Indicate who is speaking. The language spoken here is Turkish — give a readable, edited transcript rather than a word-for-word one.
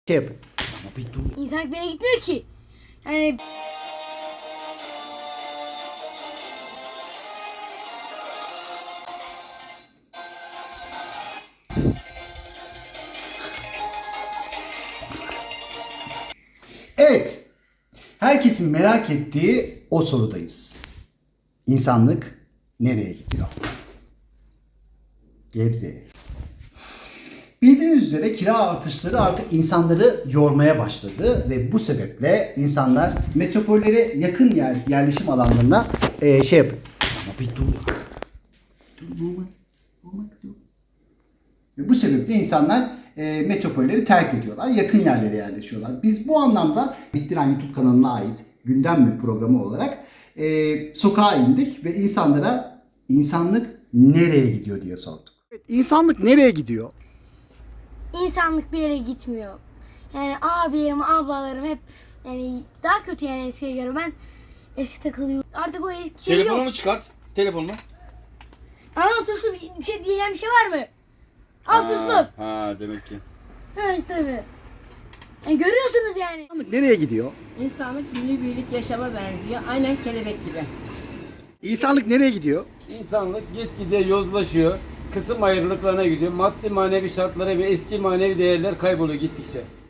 Speaker 1: Şey yap. Ama bir dur.
Speaker 2: İnsan bir yere gitmiyor ki. Yani
Speaker 1: Evet. Herkesin merak ettiği o sorudayız. İnsanlık nereye gidiyor? Gebze'ye. Bildiğiniz üzere kira artışları artık insanları yormaya başladı ve bu sebeple insanlar metropollere yakın yerleşim alanlarına şey yapıyor. Ama bir dur. Dur normal. Dur. Ve bu sebeple insanlar metropolleri terk ediyorlar. Yakın yerlere yerleşiyorlar. Biz bu anlamda Bittiren YouTube kanalına ait gündem mi programı olarak sokağa indik ve insanlara insanlık nereye gidiyor diye sorduk. Evet, insanlık nereye gidiyor?
Speaker 2: insanlık bir yere gitmiyor. Yani abilerim, ablalarım hep yani daha kötü yani eskiye göre. Ben eski takılıyorum. Artık o eski şey
Speaker 3: Telefonunu
Speaker 2: yok.
Speaker 3: çıkart. Telefonunu.
Speaker 2: Ana tuşlu bir şey diyeceğim bir şey var mı? Al tuşlu.
Speaker 3: Ha demek ki.
Speaker 2: Evet tabii. Yani görüyorsunuz yani.
Speaker 1: İnsanlık nereye gidiyor?
Speaker 4: İnsanlık günübirlik yaşama benziyor. Aynen kelebek gibi.
Speaker 1: İnsanlık nereye gidiyor?
Speaker 5: İnsanlık gitgide yozlaşıyor. Kısım ayrılıklarına gidiyor. Maddi manevi şartlara ve eski manevi değerler kayboluyor gittikçe.